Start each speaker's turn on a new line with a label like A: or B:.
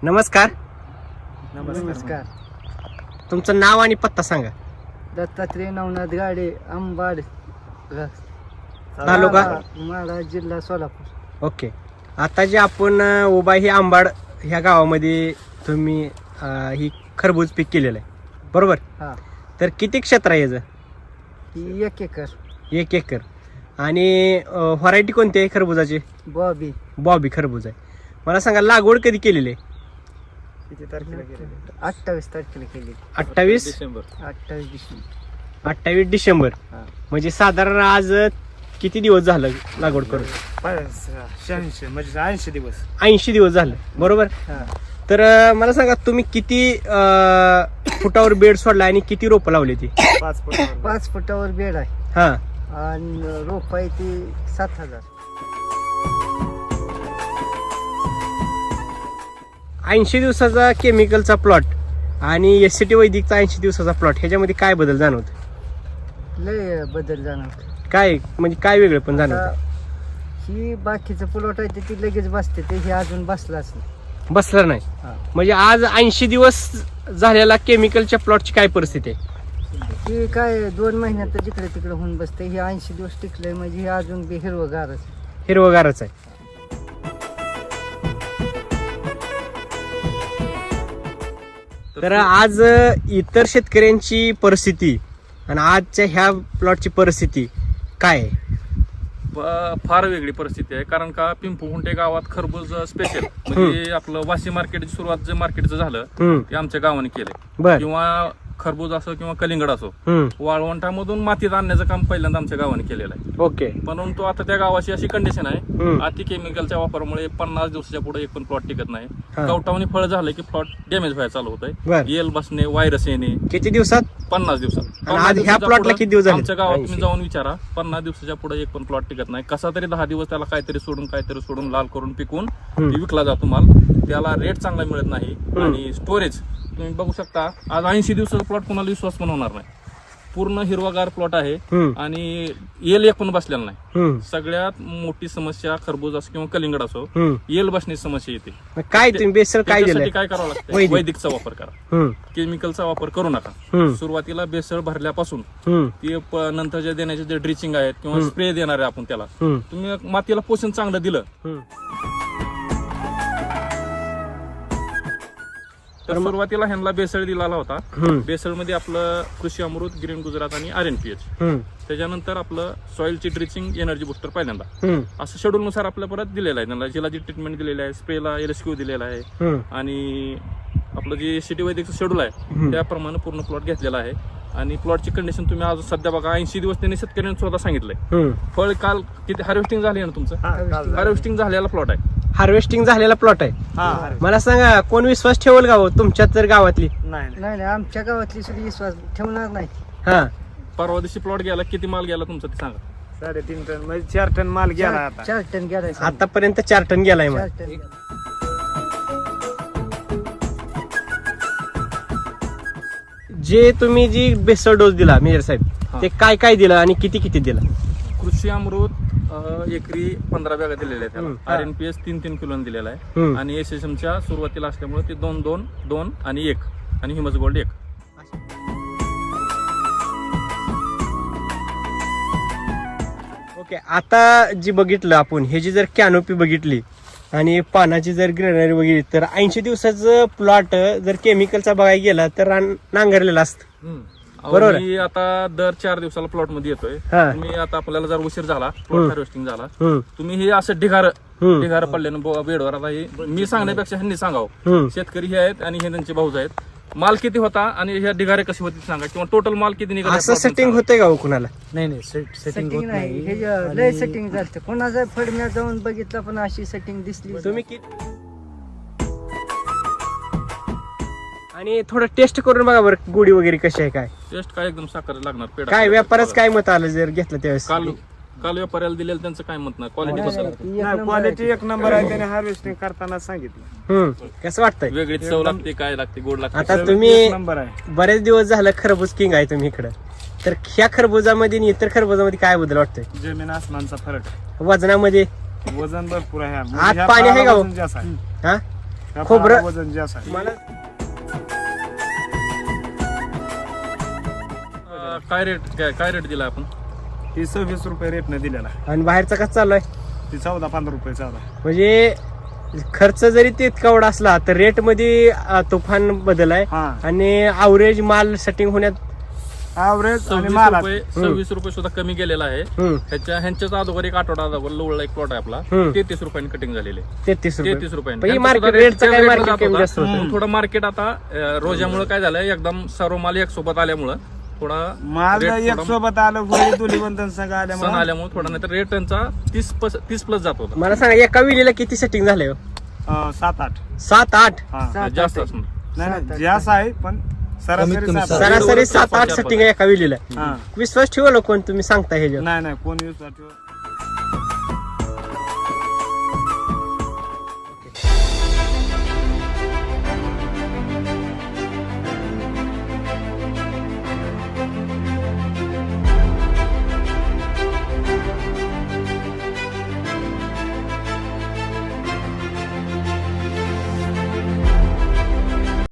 A: नमस्कार.
B: नमस्कार.
A: तुमचं नाव आणि पत्ता सांगा.
B: दत्तात्रय नवनाथ गाडे, अंबाड,
A: तालुका
B: माढा, जिल्हा सोलापूर.
A: ओके. आता जे आपण उभा ही आंबाड ह्या गावामध्ये तुम्ही ही खरबूज पीक केलेलं आहे बरोबर.
B: हा,
A: तर किती क्षेत्र आहे याचं?
B: ही 1 एकर.
A: 1 एकर. आणि व्हरायटी कोणती आहे खरबुजाची?
B: बॉबी.
A: बॉबी खरबूज आहे. मला सांगा लागवड कधी केलेली आहे?
B: किती तारखेला केली? 28 तारखेला केली.
A: 28
B: डिसेंबर.
A: 28 डिसेंबर.
B: हा.
A: म्हणजे साधारण आज किती दिवस झालं लागवड करून?
C: 86 म्हणजे 80 दिवस.
A: 80 दिवस झालं बरोबर.
B: हा.
A: तर मला सांगा तुम्ही किती फुटावर बेड सोडला आणि किती रोपं लावली ती?
C: 5 फुटावर.
B: 5 फुटावर बेड आहे
A: हा.
B: आणि रोप आहे ती 7,000.
A: 80 दिवसाचा केमिकलचा प्लॉट आणि SCT वैदिकचा 80 दिवसाचा प्लॉट ह्याच्यामध्ये काय बदल जाणवत?
B: लय बदल जाणवत.
A: काय म्हणजे काय वेगळं पण
B: आता
A: जाणवत?
B: ही बाकीचं प्लॉट आहे ती लगेच बसते, ते हे अजून बसलाच नाही.
A: बसलं नाही.
B: हा.
A: म्हणजे आज 80 दिवस झालेला केमिकलच्या प्लॉटची काय परिस्थिती आहे?
B: ही काय 2 महिन्यात जिकडे तिकडे होऊन बसते. हे 80 दिवस टिकलंय म्हणजे हे अजून बी हिरवगारच.
A: हिरवगारच आहे. तर आज इतर शेतकऱ्यांची परिस्थिती आणि आजच्या ह्या प्लॉटची परिस्थिती काय आहे?
D: फार वेगळी परिस्थिती आहे. कारण का पिंपळखुंटे गावात खरबूज स्पेशल म्हणजे आपलं वाशी मार्केटची सुरुवात जे मार्केटचं झालं ते आमच्या गावाने केलंय.
A: बर.
D: किंवा खरबूज असो किंवा कलिंगड असो,
A: हम्म.
D: वाळवंटामधून मातीत आणण्याचं काम पहिल्यांदा आमच्या गावाने केलेलं आहे.
A: ओके.
D: परंतु आता त्या गावाची अशी कंडिशन आहे,
A: हम्म.
D: अति केमिकलच्या वापरामुळे 50 दिवसाच्या पुढे एक पण प्लॉट टिकत नाही.
A: हा.
D: कवटावणी फळ झालं की प्लॉट डॅमेज व्हायला चालू होत
A: बर.
D: आहे. येल बसणे, व्हायरस येणे.
A: किती दिवसात?
D: 50 दिवसात.
A: आणि आज ह्या प्लॉटला किती दिवस झाले?
D: आमच्या गावात
A: 80.
D: तुम्ही जाऊन विचारा, 50 दिवसाच्या पुढे एक पण प्लॉट टिकत नाही. कसा तरी 10 दिवस त्याला काहीतरी सोडून लाल करून पिकवून ती विकला जातो माल. त्याला रेट चांगला मिळत नाही. आणि स्टोरेज तुम्ही बघू शकता, आज 80 दिवसाचा प्लॉट कोणाला विश्वास पण होणार नाही. पूर्ण हिरवागार प्लॉट आहे आणि येल एक पण बसलेला नाही. सगळ्यात मोठी समस्या खरबूज असो किंवा कलिंगड असो, येल बसण्याची समस्या येते.
A: काय तुम्ही बेसर काय
D: त्याच्यासाठी
A: दिलं?
D: काय करावं लागतं?
A: वैदिक.
D: वैदिकचा वापर करा. केमिकलचा वापर करू नका. सुरुवातीला बेसळ भरल्यापासून ते नंतरच्या देण्याचे जे ड्रिचिंग आहेत किंवा स्प्रे देणार आहे आपण त्याला, तुम्ही मातीला पोषण चांगलं दिलं तर सुरुवातीला ह्यांना बेसळ दिलेला होता. बेसळ मध्ये आपलं कृषी अमृत, ग्रीन गुजरात आणि RNPH. त्याच्यानंतर आपलं सॉइलची ड्रिचिंग, एनर्जी बुस्टर पहिल्यांदा असं शेड्यूल नुसार आपल्या परत दिलेलं आहे. त्यांना जिला जी ट्रीटमेंट दिलेली आहे, स्प्रेला LSQ दिलेला आहे आणि आपलं जे SCT वैदिकचं शेड्यूल आहे त्याप्रमाणे पूर्ण प्लॉट घेतलेला आहे. आणि प्लॉटची कंडिशन तुम्ही आज सध्या बघा, 80 दिवस त्यांनी शेतकऱ्यांनी स्वतः सांगितलंय. फळ काल किती हार्वेस्टिंग झाली ना तुमचं? हार्वेस्टिंग झालेला प्लॉट आहे.
A: हार्वेस्टिंग झालेला प्लॉट आहे. मला सांगा कोण विश्वास ठेवल गाव तुमच्यात तर गावातली?
B: नाही आमच्या गावातली सुद्धा विश्वास ठेवणार नाही.
A: हा.
D: परवा दिवशी प्लॉट गेला, किती माल गेला तुमचा ते सांगा?
C: 3.5 टन म्हणजे 4 टन माल गेला आता.
B: 4 टन गेलाय.
A: आतापर्यंत 4 टन गेलाय.
B: 4
A: मग
B: टन गेलाय.
A: जे तुम्ही जी बेसळ डोस दिला मेजर साहेब, ते काय काय दिलं आणि किती किती दिला?
D: कृषी अमृत एकरी 15 बॅगा दिलेल्या आहेत त्याला.
A: हा.
D: RNPH 3 किलो दिलेला आहे आणि SSMच्या सुरुवातीला असल्यामुळे ते 2 आणि 1 आणि हिमस गोल्ड 1.
A: ओके. आता जी बघितलं आपण हे जी जर कॅनोपी बघितली आणि पानाची जर ग्रेनरी बघितली तर 80 दिवसाचं प्लॉट जर केमिकलचा बघायला गेला तर नांगरलेला असतं बरोबर आहे.
D: मी आता दर 4 दिवसाला प्लॉट मध्ये येतोय.
A: हा.
D: तुम्ही आता आपल्याला जर उशीर झाला, प्लॉट हार्वेस्टिंग झाला, तुम्ही हे असं ढिगार पडल्यानं बेडवर, आता हे मी सांगण्यापेक्षा ह्यांनी सांगावं. शेतकरी हे आहेत आणि हे त्यांचे भाऊज आहेत. माल किती होता आणि ह्या ढिगारे कशी होती सांगा, किंवा टोटल माल किती निघाला?
A: असं सेटिंग होतंय का हो कुणाला?
C: नाही
B: सेटिंग नाही. हे लय सेटिंग झालं. कोणाचा फडम्या जाऊन बघितलं पण अशी सेटिंग दिसली.
A: तुम्ही किती आणि थोडं टेस्ट करून बघा बरं गोडी वगैरे कशी आहे काय?
D: टेस्ट काय एकदम साखर लागणार. पेढा
A: काय व्यापारच काय मत आलं जर घेतलं त्यावेळेस?
D: काल व्यापाऱ्याला दिलेलं त्यांचं काय मत नाही. क्वालिटी
C: क्वालिटी 1 नंबर आहे. त्याने हार्वेस्टिंग करताना सांगितलं.
A: कसं वाटतंय?
D: वेगळी चव लागते, काय लागते, गोड लागते.
A: आता तुम्ही
C: नंबर आहे.
A: बरेच दिवस झालं खरबूज किंग आहे तुम्ही इकडं, तर ह्या खरबुजामध्ये आणि इतर खरबुजामध्ये काय बदल वाटतोय?
C: जमीन आसमानचा फरक आहे.
A: वजनामध्ये
C: वजन भरपूर आहे.
A: आत पाणी आहे का हो?
C: जास्त आहे.
A: हा
C: ह्या
A: खोबरं-
C: फळाला वजन जास्त आहे.
A: मला
D: काय रेट दिला आपण?
C: ही 26 रुपये रेटने दिलेला आहे.
A: आणि बाहेरचा कसं चालू आहे
C: ती 14-15 रुपये चालू आहे.
A: म्हणजे खर्च जरी तितका एवढा असला तर रेट मध्ये तुफान बदल आहे
C: हा
A: आणि अवरेज माल सेटिंग होण्यात
C: ॲव्हरेज आणि
D: 26
C: माला
D: रुपये 26 रुपये सुद्धा कमी गेलेला आहे.
A: हम्म,
D: ह्यांच्याच अगोदर एक आठवडा अगोदर लोळला एक प्लॉट आहे आपला,
A: हम्म.
D: 33 रुपयांनी कटिंग झालेले.
A: 33 रुपये
D: 33 रुपयांनी.
A: पण ही
D: त्यांचं
A: market
D: सुद्धा
A: rate चं
D: rate
A: काय
D: rate
A: market
D: जात
A: कमी
D: होता.
A: जास्त होतं.
D: पण थोडं मार्केट आता रोजामुळे काय झालंय, एकदम सर्व माल एक सोबत आल्यामुळं थोडा
C: माल
D: rate
C: एक
D: थोडा
C: सोबत आलं पुढे दोन्ही संघ
D: सण
C: आल्यामुळे
D: आल्यामुळे थोडा, नाही तर रेट त्यांचा 30 प्लस जात होता.
A: मला सांगा एका विलीला किती सेटिंग झालंय
C: 7-8.
A: 7-8
C: हा
B: सात-
D: जास्त
B: आठ.
D: असणार.
C: नाही नाही जास्त आहे पण सरासरी 7-8.
A: सरासरी 7-8 सेटिंग आहे एका विलीला.
C: हा
A: विश्वास ठेवा कोण तुम्ही सांगता हे
C: नाही नाही कोण use साठी